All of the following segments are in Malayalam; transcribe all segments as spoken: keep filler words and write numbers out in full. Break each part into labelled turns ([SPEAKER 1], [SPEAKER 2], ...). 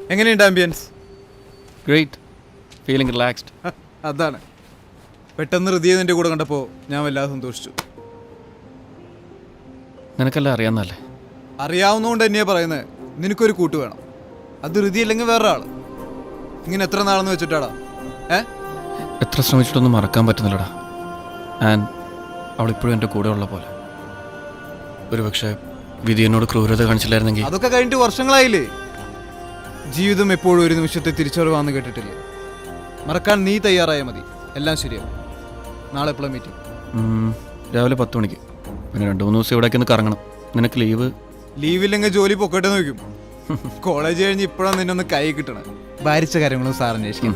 [SPEAKER 1] എങ്ങനെയുണ്ട് ആംബിയൻസ്?
[SPEAKER 2] Great, feeling relaxed.
[SPEAKER 1] അതാണ്, പെട്ടെന്ന് ഹൃദയ നിന്റെ കൂടെ കണ്ടപ്പോൾ ഞാൻ വല്ലാതെ സന്തോഷിച്ചു.
[SPEAKER 2] നിനക്കെല്ലാം അറിയാവുന്നല്ലേ?
[SPEAKER 1] അറിയാവുന്നതുകൊണ്ട് തന്നെയാ പറയുന്നത്, നിനക്കൊരു കൂട്ട് വേണം. അത് ഹൃദയ അല്ലെങ്കിൽ വേറെ ആള്. ഇങ്ങനെ എത്ര നാളെന്ന് വെച്ചിട്ടാടാ? ഏ
[SPEAKER 2] എത്ര ശ്രമിച്ചിട്ടൊന്നും മറക്കാൻ പറ്റുന്നില്ലടാ. ആൻഡ് അവളിപ്പോഴും എൻ്റെ കൂടെ ഉള്ള പോലെ. ഒരു പക്ഷേ വിധി എന്നോട് ക്രൂരത കാണിച്ചില്ലായിരുന്നെങ്കിൽ.
[SPEAKER 1] അതൊക്കെ കഴിഞ്ഞിട്ട് വർഷങ്ങളായില്ലേ? ജീവിതം എപ്പോഴും ഒരു നിമിഷത്തെ തിരിച്ചറിവാന്ന് കേട്ടിട്ടില്ലേ? മറക്കാൻ നീ തയ്യാറായാൽ മതി, എല്ലാം ശരിയാവും. നാളെ എപ്പോഴാണ് മീറ്റിംഗ്?
[SPEAKER 2] രാവിലെ പത്ത് മണിക്ക്. പിന്നെ രണ്ട് മൂന്ന് ദിവസം ഇവിടേക്ക് ഒന്ന് കറങ്ങണം. നിനക്ക് ലീവ്?
[SPEAKER 1] ലീവില്ലെങ്കിൽ ജോലി പൊക്കട്ടെ നോക്കും. കോളേജ് കഴിഞ്ഞ് ഇപ്പോഴാണ് നിന്നൊന്ന് കൈ കിട്ടണം. ഭാരിച്ച കാര്യങ്ങളും സാർ അന്വേഷിക്കണം.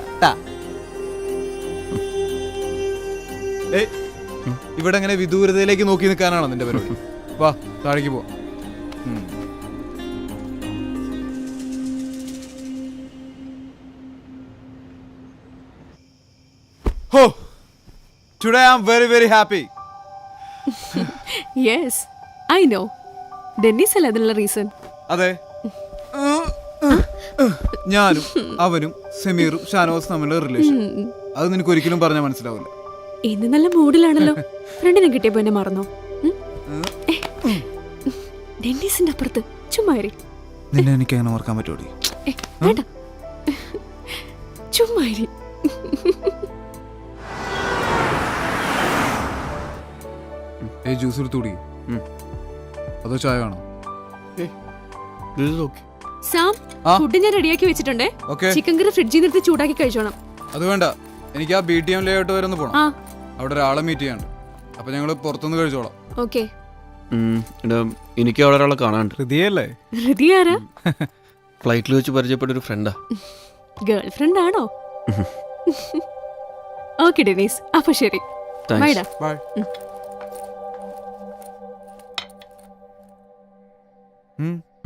[SPEAKER 1] ഏയ്, ഇവിടെ അങ്ങനെ വിദൂരതയിലേക്ക് നോക്കി നിൽക്കാനാണോ നിന്റെ പരിപാടി? വാ, താഴേക്ക് പോ. ഹോ, today I am very very happy.
[SPEAKER 3] Yes, I know. Dennis അല്ല അതിനുള്ള റീസൺ.
[SPEAKER 1] അതെ, ഞാനും അവനും സമീറും ഷാനവാസും തമ്മിലുള്ള റിലേഷൻ. അത് നിനക്ക് ഒരിക്കലും പറഞ്ഞാൽ മനസ്സിലാവില്ല.
[SPEAKER 3] ഇന്ന് നല്ല മൂഡിലാണല്ലോ. ഫ്രണ്ടിനെ കിട്ടിയപ്പോ എന്നെ മറന്നോ? ഡെന്നിസിന്റെ അപ്പുറത്ത് ചുമ്മാരി.
[SPEAKER 1] നിന്നെ എനിക്ക് അങ്ങനെ ഓർക്കാൻ പറ്റുമോ?
[SPEAKER 3] വേണ്ട, ചുമ്മാരി.
[SPEAKER 1] ഏ, ജ്യൂസ് എടുത്തുകൂടി. അതോ ചായ വേണോ?
[SPEAKER 3] സാം, ഫുഡ് ഞാൻ റെഡിയാക്കി വെച്ചിട്ടുണ്ടേ. ചിക്കൻ കറി ഫ്രിഡ്ജിൽ നിന്ന് ചൂടാക്കി കഴിച്ചോണം.
[SPEAKER 1] അത് വേണ്ട, എനിക്ക് ആ ബി ടി എം ലേഔട്ട് വരെ ഒന്ന് പോണം. അവിടെ ഒരാളെ മീറ്റ് ചെയ്യാണ്ട്. അപ്പൊ ഞങ്ങള് പുറത്തുനിന്ന് കഴിച്ചോളാം.
[SPEAKER 3] ഓക്കെ.
[SPEAKER 2] എനിക്ക് അവിടെ ഒരാളെ കാണാണ്ട്.
[SPEAKER 1] ഹൃദയല്ലേ?
[SPEAKER 3] ഹൃദയ ആരാ?
[SPEAKER 2] ഫ്ലൈറ്റിൽ വെച്ച് പരിചയപ്പെട്ട ഒരു ഫ്രണ്ടാ.
[SPEAKER 3] ഗേൾ ഫ്രണ്ട് ആണോ? ഓക്കെ ഡെനീസ്, അപ്പൊ ശരി. ബൈഡാ.
[SPEAKER 1] ബൈ. ഉം